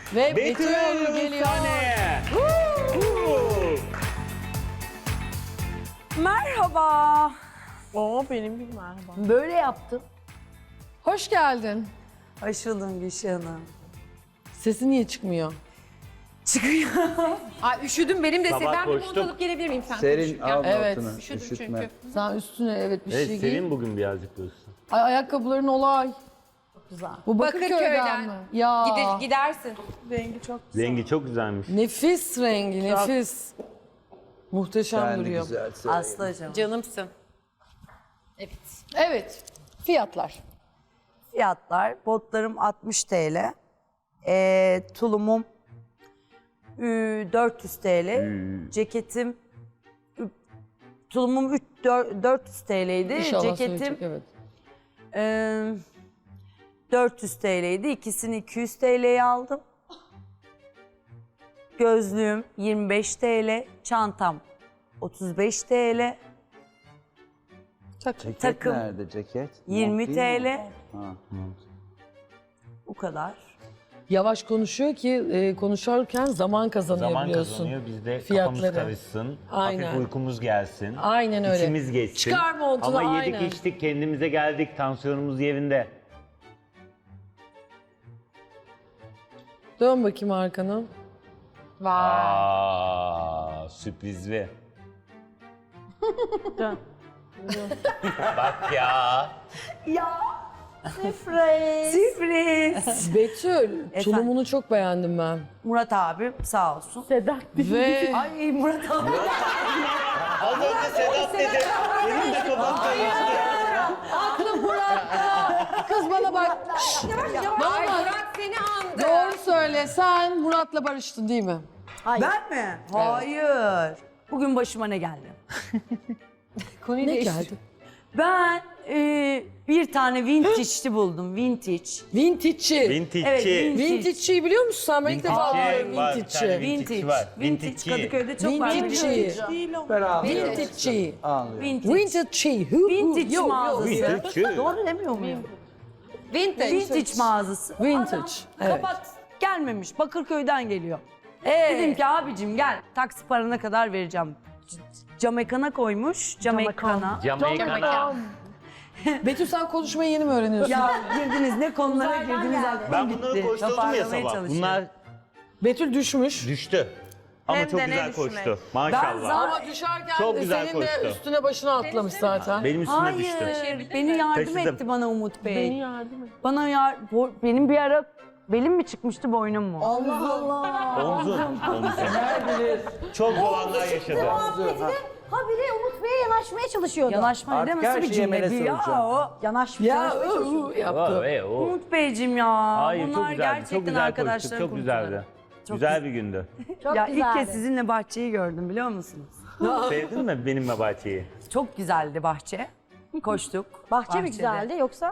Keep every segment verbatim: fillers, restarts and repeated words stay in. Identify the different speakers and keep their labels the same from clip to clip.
Speaker 1: Ve
Speaker 2: Betül
Speaker 1: Betül geliyor.
Speaker 2: sahneye.
Speaker 3: Merhaba.
Speaker 1: Oo benim bir merhaba.
Speaker 3: Böyle yaptım.
Speaker 1: Hoş geldin.
Speaker 3: Hoş buldum Gülşah Hanım.
Speaker 1: Sesi niye çıkmıyor?
Speaker 3: Çıkıyor.
Speaker 4: Ay üşüdüm benim de.
Speaker 2: Sabah
Speaker 4: Ben bir
Speaker 2: koştum.
Speaker 4: mont alıp gelebilir miyim sen?
Speaker 5: Serin al
Speaker 1: Evet.
Speaker 5: altına.
Speaker 4: Üşüdüm
Speaker 5: Üşütme.
Speaker 4: çünkü.
Speaker 1: Sen üstüne evet bir
Speaker 2: Evet,
Speaker 1: şey giy.
Speaker 2: senin bugün birazcık diyorsun.
Speaker 1: Ay ayakkabıların olay.
Speaker 3: Güzel.
Speaker 1: Bu Bakırköy'den,
Speaker 4: Bakırköy'den.
Speaker 1: mi? Ya.
Speaker 4: Gider, gidersin.
Speaker 2: Rengi çok güzelmiş.
Speaker 1: Nefis rengi, nefis. Muhteşem
Speaker 5: Sen de
Speaker 1: duruyor.
Speaker 5: güzel sen.
Speaker 3: Aslı hocam.
Speaker 4: Canımsın.
Speaker 1: Evet. Fiyatlar.
Speaker 3: Fiyatlar. Botlarım altmış TL. Ee, tulumum ü, dört yüz TL. Ceketim ü, tulumum üç, dört yüz TL'ydi.
Speaker 1: İnşallah
Speaker 3: Ceketim
Speaker 1: söyleyecek, evet.
Speaker 3: e, dört yüz TL'ydi. İkisini iki yüz TL'ye aldım. Gözlüğüm yirmi beş TL. Çantam otuz beş TL.
Speaker 5: Ceket
Speaker 3: takım.
Speaker 5: nerede ceket?
Speaker 3: yirmi
Speaker 5: Mont değil mi?
Speaker 3: TL.
Speaker 5: Ha.
Speaker 3: Bu kadar.
Speaker 1: Yavaş konuşuyor ki e, konuşurken zaman kazanıyor
Speaker 2: Zaman
Speaker 1: biliyorsun.
Speaker 2: kazanıyor, biz de
Speaker 1: Fiyatları.
Speaker 2: kafamız karışsın.
Speaker 1: Aynen.
Speaker 2: Hafif uykumuz gelsin.
Speaker 1: Aynen öyle.
Speaker 2: İçimiz geçsin.
Speaker 1: Çıkar montunu,
Speaker 2: Ama yedik
Speaker 1: aynen.
Speaker 2: içtik, kendimize geldik, tansiyonumuz yerinde.
Speaker 1: Dön bakayım arkana.
Speaker 4: Vay.
Speaker 2: Aa, sürprizli.
Speaker 3: Dön.
Speaker 2: Bak ya.
Speaker 3: Sürpriz. Sürpriz.
Speaker 1: Betül, tulumunu çok beğendim ben.
Speaker 3: Murat abi sağ olsun.
Speaker 1: Ve
Speaker 3: Ay Murat abi.
Speaker 2: Az önce Sedat dedi. Benim de kafam karıştı.
Speaker 1: aklım Murat'ta. Kız bana bak. Şşş.
Speaker 4: Ay
Speaker 1: Vallahi
Speaker 4: Murat seni andı.
Speaker 1: doğru söyle. Sen Murat'la barıştın değil mi?
Speaker 3: Ben mi? Hayır. Bugün başıma ne geldi?
Speaker 4: Konuyu
Speaker 1: Ne
Speaker 4: değiştir.
Speaker 1: geldi?
Speaker 3: Ben e, bir tane vintage'li buldum. Vintage.
Speaker 1: Vintage'çi.
Speaker 2: Vintage'çi.
Speaker 3: Evet, vintage.
Speaker 1: Vintage'çiyi biliyor musun sen? Ben ilk defa
Speaker 2: Vintage'çi
Speaker 1: duyuyorum
Speaker 2: var, bir tane
Speaker 1: vintage'çi.
Speaker 2: vintage var.
Speaker 3: Vintage.
Speaker 2: Vintage'çi.
Speaker 3: Kadıköy'de çok var.
Speaker 1: Vintage'çi.
Speaker 5: Ben ağlıyorum.
Speaker 1: Vintage'çi.
Speaker 5: Ağlıyorum.
Speaker 3: Vintage.
Speaker 1: Vintage'çi. Hu, hu.
Speaker 3: Vintage
Speaker 1: Yo, yo.
Speaker 3: mağazası.
Speaker 2: Vintage'çi.
Speaker 3: Doğru demiyor muyum?
Speaker 4: Vintage.
Speaker 3: Vintage mağazası.
Speaker 1: Vintage.
Speaker 3: Adam
Speaker 1: Evet.
Speaker 3: Kapat. Gelmemiş. Bakırköy'den geliyor.
Speaker 1: Ee,
Speaker 3: Dedim ki abicim gel. Taksi parana kadar vereceğim. C- Camekana koymuş. Camekana.
Speaker 2: Jamaika'na.
Speaker 1: Betül sen konuşmayı yeni mi öğreniyorsun?
Speaker 3: Ya girdiniz ne konulara girdiniz aklım
Speaker 2: Ben
Speaker 3: gitti.
Speaker 2: bunları koşturdum ya
Speaker 3: Toparlamaya
Speaker 2: sabah.
Speaker 3: çalışıyorum.
Speaker 2: Bunlar
Speaker 1: Betül düşmüş.
Speaker 2: düştü. Ama
Speaker 4: Hem
Speaker 2: çok
Speaker 4: de ne
Speaker 2: güzel
Speaker 4: düşmek.
Speaker 2: koştu.
Speaker 3: Ben
Speaker 2: Maşallah.
Speaker 3: zaten-
Speaker 1: Ama düşerken
Speaker 2: Çok güzel
Speaker 1: senin de
Speaker 2: koştu.
Speaker 1: üstüne başına atlamış zaten.
Speaker 2: Benim üstüme
Speaker 3: Hayır,
Speaker 2: düştü.
Speaker 3: beni yardım
Speaker 2: Taşıdım.
Speaker 3: etti bana Umut Bey.
Speaker 1: Beni yardım et.
Speaker 3: Bana yar, bo- benim bir ara belim mi çıkmıştı boynum mu?
Speaker 1: Allah Allah.
Speaker 2: Omzun. Omzun. Çok zor anlar yaşadı.
Speaker 6: Habire Umut Bey'e yanaşmaya çalışıyordu.
Speaker 3: Yanaşma ne
Speaker 5: Artık
Speaker 3: nasıl
Speaker 5: her
Speaker 3: bir
Speaker 5: şeye
Speaker 3: cümle
Speaker 5: melez
Speaker 3: bu ya
Speaker 5: olacağım.
Speaker 3: o?
Speaker 6: Yanaşmaya
Speaker 1: Ya
Speaker 6: yanaşmaya çalışıyordu.
Speaker 1: ıı, yaptı.
Speaker 2: O, e, o.
Speaker 3: Umut Beyciğim ya.
Speaker 2: Hayır
Speaker 3: Bunlar
Speaker 2: çok güzeldi.
Speaker 3: gerçekten
Speaker 2: Çok güzel koştuk.
Speaker 3: arkadaşların
Speaker 2: Çok güzeldi.
Speaker 3: kurtları. Çok
Speaker 2: Güzel bir gündü.
Speaker 6: Çok
Speaker 3: Ya
Speaker 6: güzeldi.
Speaker 3: ilk kez sizinle bahçeyi gördüm biliyor musunuz?
Speaker 2: Sevdin mi benim ve bahçeyi?
Speaker 3: Çok güzeldi bahçe. Koştuk.
Speaker 6: Bahçe mi
Speaker 3: bahçede.
Speaker 6: güzeldi yoksa?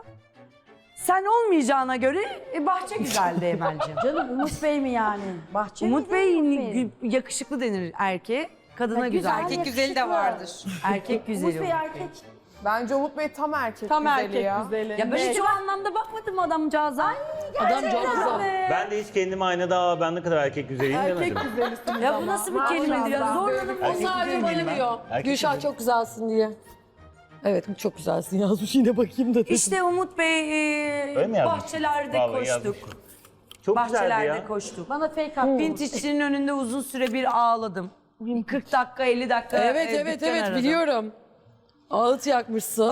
Speaker 3: Sen olmayacağına göre e, bahçe güzeldi Emel'ciğim.
Speaker 6: Canım Umut Bey mi yani? Bahçe
Speaker 3: Umut
Speaker 6: miydi,
Speaker 3: Bey
Speaker 6: Umut Bey?
Speaker 3: gü- yakışıklı denir erkeğe. Kadına
Speaker 6: Ha,
Speaker 3: güzel.
Speaker 6: güzel,
Speaker 4: Erkek güzeli de
Speaker 6: yakışıklı.
Speaker 4: vardır.
Speaker 3: Erkek güzeli.
Speaker 6: Umut Bey
Speaker 3: Umut
Speaker 6: erkek.
Speaker 7: Bence Umut Bey tam erkek
Speaker 1: Tam
Speaker 7: güzeli
Speaker 1: erkek
Speaker 7: ya.
Speaker 1: güzeli.
Speaker 3: Ya ben hiç o anlamda bakmadım adamcağıza.
Speaker 1: Adam çok güzel.
Speaker 2: Ben de hiç kendime aynada "Aa, ben ne kadar erkek güzeliyim demedim.
Speaker 7: Güzelisiniz
Speaker 3: Ya bu
Speaker 7: ama.
Speaker 3: nasıl bir kelimedir ya? Zorladım.
Speaker 1: O sadece bana diyor.
Speaker 2: Erkek
Speaker 1: Gülşah
Speaker 2: güzeli.
Speaker 1: çok güzelsin diye. Evet çok güzelsin yazmış yine bakayım da dedim.
Speaker 3: İşte Umut Bey e,
Speaker 2: Öyle mi yazmış?
Speaker 3: bahçelerde
Speaker 2: Vallahi
Speaker 3: koştuk.
Speaker 2: yazmış. Çok güzeldi
Speaker 3: Bahçelerde
Speaker 2: ya.
Speaker 3: koştuk.
Speaker 6: Bana fake attı.
Speaker 3: Vintage'nin önünde uzun süre bir ağladım. kırk dakika elli dakika
Speaker 1: Evet
Speaker 3: e,
Speaker 1: evet
Speaker 3: dükkan
Speaker 1: evet
Speaker 3: aradım.
Speaker 1: biliyorum. Ağıt yakmışsın.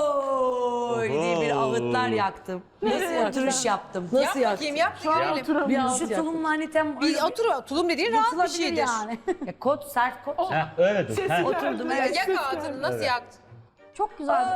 Speaker 3: Ohoy diye bir
Speaker 2: Oho.
Speaker 3: ağıtlar yaktım.
Speaker 1: Nasıl
Speaker 3: Oturuş yaptım.
Speaker 1: Nasıl
Speaker 4: Yap
Speaker 1: yaktın?
Speaker 4: bakayım yap. Görelim.
Speaker 1: Bir ağıt
Speaker 3: Şu
Speaker 1: yaktın.
Speaker 3: tulumla hani tem...
Speaker 4: Bir otur. Tulum dediğin rahat bir
Speaker 3: Yırtılabilir
Speaker 4: şeydir.
Speaker 3: yani. Ya, kot sert kot.
Speaker 2: Heh, öyle dur. Heh.
Speaker 3: Oturdum
Speaker 4: Ya,
Speaker 3: evet.
Speaker 4: yak ağzını nasıl yaktın?
Speaker 6: Çok güzeldi.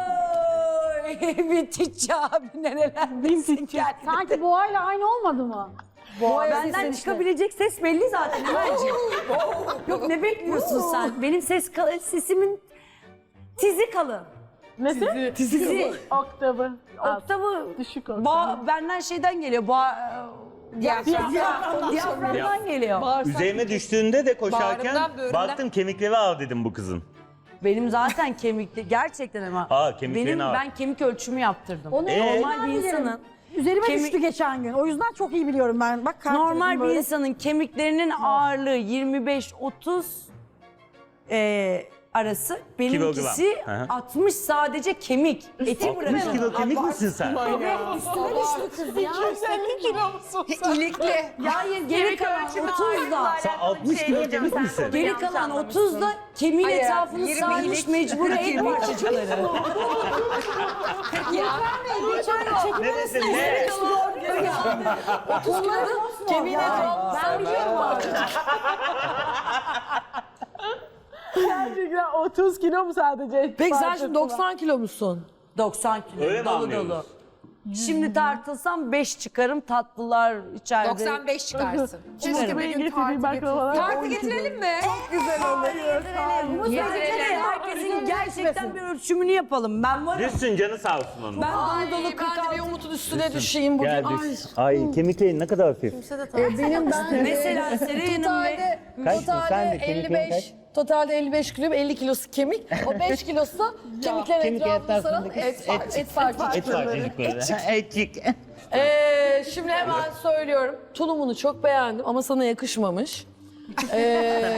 Speaker 3: Oy vintage abi nereler vintage.
Speaker 6: Sanki boğayla aynı olmadı mı?
Speaker 3: Benden çıkabilecek ses belli zaten Emel'ciğim. Yok ne bekliyorsun sen? Benim ses kal- sesimin tizi kalın.
Speaker 1: Nesi?
Speaker 3: Tizi.
Speaker 6: Oktavı.
Speaker 3: Oktavı
Speaker 6: Düşük
Speaker 3: ba- benden şeyden geliyor. Ba
Speaker 4: Diyafram.
Speaker 3: Diyafram- Diyaframdan geliyor.
Speaker 2: Üzerime düştüğünde de koşarken
Speaker 4: Bağrından, böğründen.
Speaker 2: baktım kemikleri ağır dedim bu kızın.
Speaker 3: Benim zaten kemikli gerçekten ama.
Speaker 2: Aa, kemiklerin
Speaker 3: benim
Speaker 2: ağır.
Speaker 3: ben kemik ölçümü yaptırdım.
Speaker 6: Onu
Speaker 2: Ee?
Speaker 3: Normal bir insanın
Speaker 6: üzerime
Speaker 3: Kemi-
Speaker 6: düştü geçen gün. O yüzden çok iyi biliyorum ben. Bak kalp
Speaker 3: Normal
Speaker 6: tarafım
Speaker 3: bir
Speaker 6: böyle.
Speaker 3: insanın kemiklerinin ağırlığı yirmi beş otuz e, arası. Benimkisi
Speaker 8: Kilogram. Hı hı.
Speaker 3: altmış sadece kemik. Eti
Speaker 8: altmış
Speaker 3: bırakın.
Speaker 8: kilo kemik misin sen?
Speaker 6: Üstüme düştü kız ya.
Speaker 7: yüz elli kilo musun sen?
Speaker 4: İlikli.
Speaker 3: Hayır geri kalan otuz da.
Speaker 8: Sen altmış kilo kemik misin?
Speaker 3: Geri kalan otuz da kemiğin
Speaker 4: Hayır,
Speaker 3: etrafını
Speaker 4: yirmi
Speaker 3: sarmış
Speaker 4: ilik.
Speaker 3: mecbur et parçacıkları.
Speaker 2: Neresin ne?
Speaker 6: Kemiğine ben biliyorum abi.
Speaker 7: Gerçekten otuz kilo mu sadece?
Speaker 1: Peki sen şimdi doksan kilo musun?
Speaker 3: doksan kilo
Speaker 8: Öyle mi
Speaker 3: dolu
Speaker 8: anlıyoruz?
Speaker 3: dolu. Şimdi tartılsam beş çıkarım, tatlılar içeride.
Speaker 4: doksan beş çıkarsın.
Speaker 7: Keşke bir gün tartı getirseler.
Speaker 4: Tartı getirelim mi?
Speaker 7: Güzel olur.
Speaker 3: Getirelim. Herkesin gerçekten bir ölçümünü yapalım. Ben varım.
Speaker 8: Düşsün canı sağ olsun onun.
Speaker 1: Ben dolu dolu kırk altı. Umut'un üstüne düşeyim bugün.
Speaker 8: Gel
Speaker 1: Ay.
Speaker 8: düş. Ay kemiklerin ne kadar hafif.
Speaker 1: Benim ben
Speaker 3: Mesela Seren'in ve
Speaker 1: totalde,
Speaker 8: Kaçsın? Sen
Speaker 1: totalde
Speaker 8: de kemiklerin
Speaker 1: elli beş. Totalde elli beş kilo, elli kilosu kemik. O beş kilosu da kemiklerin
Speaker 8: Kemik
Speaker 1: etrafını saran
Speaker 8: etrafındaki
Speaker 1: et, et, et parçacıkları.
Speaker 8: Et parçacıkları. Etçik.
Speaker 1: Ee, şimdi hemen söylüyorum. Tulumunu çok beğendim ama sana yakışmamış. Ee,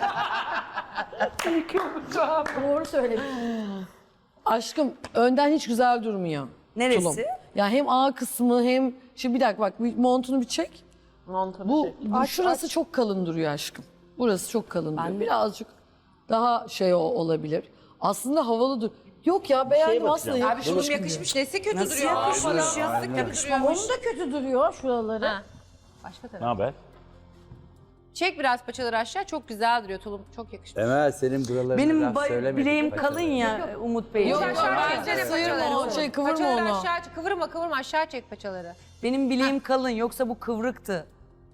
Speaker 6: Doğru söyledin.
Speaker 1: aşkım önden hiç güzel durmuyor.
Speaker 3: neresi?
Speaker 1: Tulum. Ya hem A kısmı hem... Şimdi bir dakika bak bir montunu bir çek. Bu, bu şurası çok kalın duruyor aşkım. Burası çok kalın duruyor. Birazcık daha şey o- olabilir. Aslında havalı dur. Yok ya beğendim aslında.
Speaker 8: bakacağım.
Speaker 4: Abi şunun yakışmış. Nesi kötü
Speaker 3: Nasıl
Speaker 4: duruyor?
Speaker 3: yakışmış
Speaker 4: Aa,
Speaker 3: ya?
Speaker 4: Yastık yakışmamış.
Speaker 6: Onun da kötü duruyor şuraları.
Speaker 4: Ha. Başka
Speaker 8: Ne
Speaker 4: taraf.
Speaker 8: haber?
Speaker 4: Çek biraz paçaları aşağı. Çok güzel duruyor. Tulum çok yakışmış.
Speaker 5: Emel senin buralarına
Speaker 3: Benim
Speaker 5: laf
Speaker 3: ba-
Speaker 5: söylemedik
Speaker 3: bileğim
Speaker 5: paçalara.
Speaker 3: kalın ya Umut Bey.
Speaker 1: Yok,
Speaker 4: Aşağı
Speaker 1: yok,
Speaker 4: çeksene
Speaker 1: bence sıyırma
Speaker 4: paçaları.
Speaker 1: o şey, kıvırma
Speaker 4: Paçaları
Speaker 1: onu.
Speaker 4: aşağı çek. Kıvırma kıvırma aşağı çek paçaları.
Speaker 3: Benim bileğim kalın yoksa bu kıvrıktı.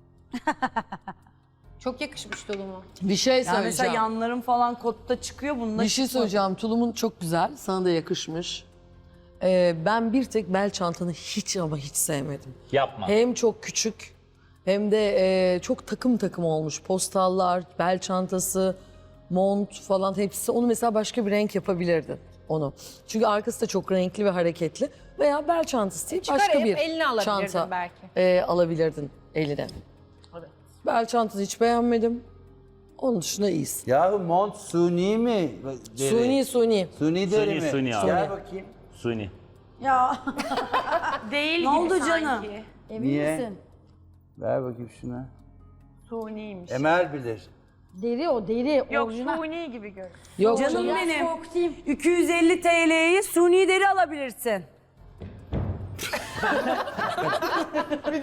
Speaker 4: Çok yakışmış tulumu.
Speaker 1: Bir şey
Speaker 3: Yani mesela
Speaker 1: söyleyeceğim.
Speaker 3: yanlarım falan kotta çıkıyor bununla.
Speaker 1: Bir şey söyleyeceğim. Tulumun çok güzel. Sana da yakışmış. Ee, ben bir tek bel çantanı hiç ama hiç sevmedim.
Speaker 8: Yapma.
Speaker 1: Hem çok küçük hem de e, çok takım takım olmuş. Postallar, bel çantası, mont falan hepsi. Onu mesela başka bir renk yapabilirdin onu. Çünkü arkası da çok renkli ve hareketli. Veya bel çantası değil başka
Speaker 4: Çıkarıp
Speaker 1: bir
Speaker 4: eline alabilirdin
Speaker 1: çanta
Speaker 4: belki.
Speaker 1: e, alabilirdin eline. Bel çantasını hiç beğenmedim. Onun dışında iyisin.
Speaker 5: Yahu mont suni mi? Deri?
Speaker 1: Suni suni.
Speaker 5: Suni deri
Speaker 8: Suni,
Speaker 5: mi?
Speaker 8: suni abi.
Speaker 5: Gel bakayım.
Speaker 8: Suni.
Speaker 6: Ya
Speaker 4: Değil
Speaker 3: Ne oldu canım?
Speaker 6: emin
Speaker 5: Niye?
Speaker 6: misin?
Speaker 5: Ver bakayım şuna.
Speaker 3: Suniymiş.
Speaker 5: Emel bilir.
Speaker 6: Deri o deri.
Speaker 3: Yok
Speaker 6: orijinal.
Speaker 3: suni gibi gör.
Speaker 1: Yok
Speaker 3: Canım
Speaker 1: canım.
Speaker 3: benim.
Speaker 6: Soğuk değil.
Speaker 3: iki yüz elli T L'yi suni deri alabilirsin.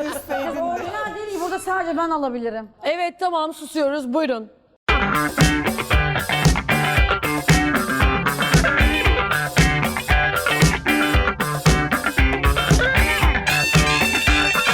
Speaker 6: Orijinal deri burada sadece ben alabilirim.
Speaker 1: Evet tamam susuyoruz. Buyurun.